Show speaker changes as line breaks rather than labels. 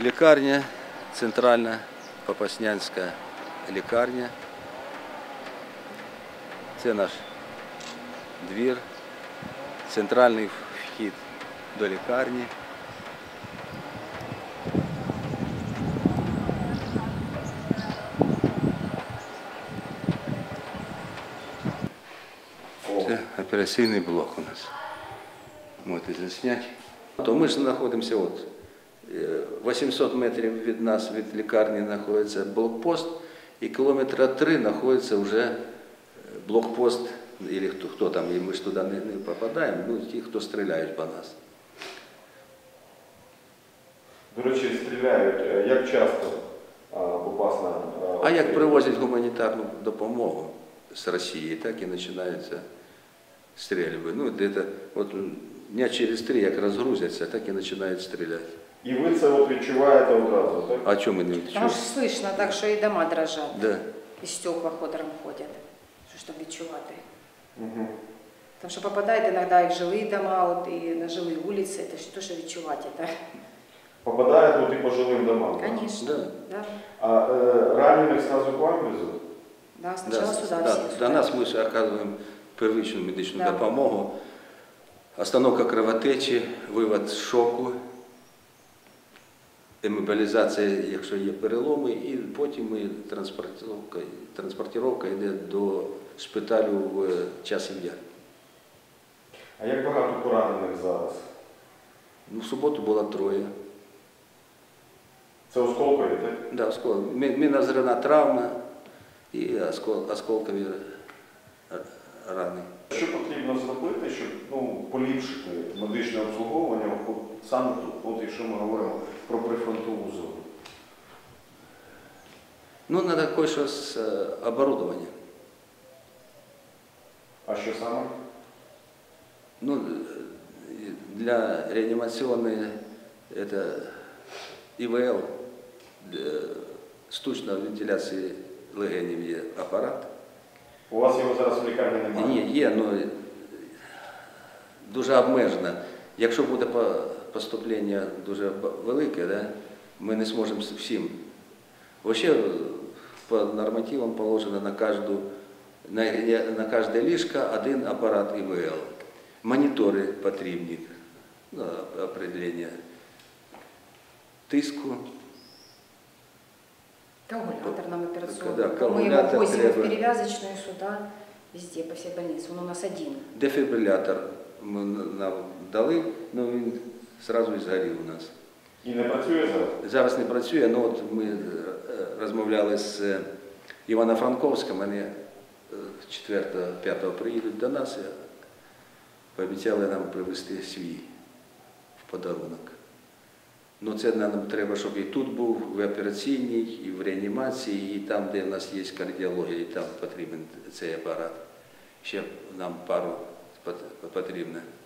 Лікарня, центральна Попаснянська лікарня. Це наш двір, центральний вхід до лікарні. Це операційний блок у нас. Можете засняти. То ми ж знаходимося 800 метрів від нас, від лікарні, знаходиться блокпост, і кілометра 3 знаходиться вже блокпост, або хто там, і ми ж туди не попадаємо, ну ті, хто стріляють по нас.
До речі, стріляють. Як часто Попасна?
А як привозять гуманітарну допомогу з Росії, так і починаються стрільби. Ну, дня через 3, як розгрузяться, так і починають стріляти.
І ви це відчуваєте одразу, так?
А чому ми не відчуваємо?
Там ж слышно так, що і дома дрожать.
Да.
І стекла ходором ходять. Що ж там відчувати?
Угу.
Тому що попадають іноді і в жилі дома, і на жилі вулиці, це ж то, що відчувати.
Попадає тут і по жилим домам?
Звісно.
Да.
Да.
А ранених сразу к вам везуть?
Да, спочатку сюди
Да,
всі.
до нас ми ж оказуємо первичну медичну
Да.
допомогу, остановка кровотечі, вивод з шоку, імобілізація, якщо є переломи, і потім транспортировка йде до шпиталю в Часів Яр.
А як багато поранених зараз?
Ну, в суботу було 3.
Це осколкові, так?
Да, мінозрівна травма і осколкові рани.
Що потрібно зробити, щоб поліпшити медичне обслуговування саме тут, якщо ми говоримо про прифронтову зону?
Ну, треба кое-що з оборудованням.
А що саме?
Ну, для реанимационной это ИВЛ, штучної вентиляції легенів є апарат.
У вас його зараз в лікарні немає?
Ні, є, але дуже обмежено. Якщо буде поступлення дуже велике, да, ми не зможемо всім. Взагалі, по нормативам положено на кожне ліжко 1 апарат ИВЛ. Монітори потрібні, определення тиску.
Коагулятор нам операционный.
Да,
Мы его
коагулятор
возим в
требует.
перевязочную сюда, везде, по всей больнице. Он у нас один.
Дефібрилятор ми нам дали, але він одразу і згорів у нас.
І не працює зараз?
Зараз не працює, але от ми розмовляли з Івано-Франковським, вони 4-5 приїдуть до нас і пообіцяли нам привезти свій в подарунок. Ну, це нам треба, щоб і тут був, в операційній, і в реанімації, і там, де в нас є кардіологія, і там потрібен цей апарат. Ще нам пару потрібно.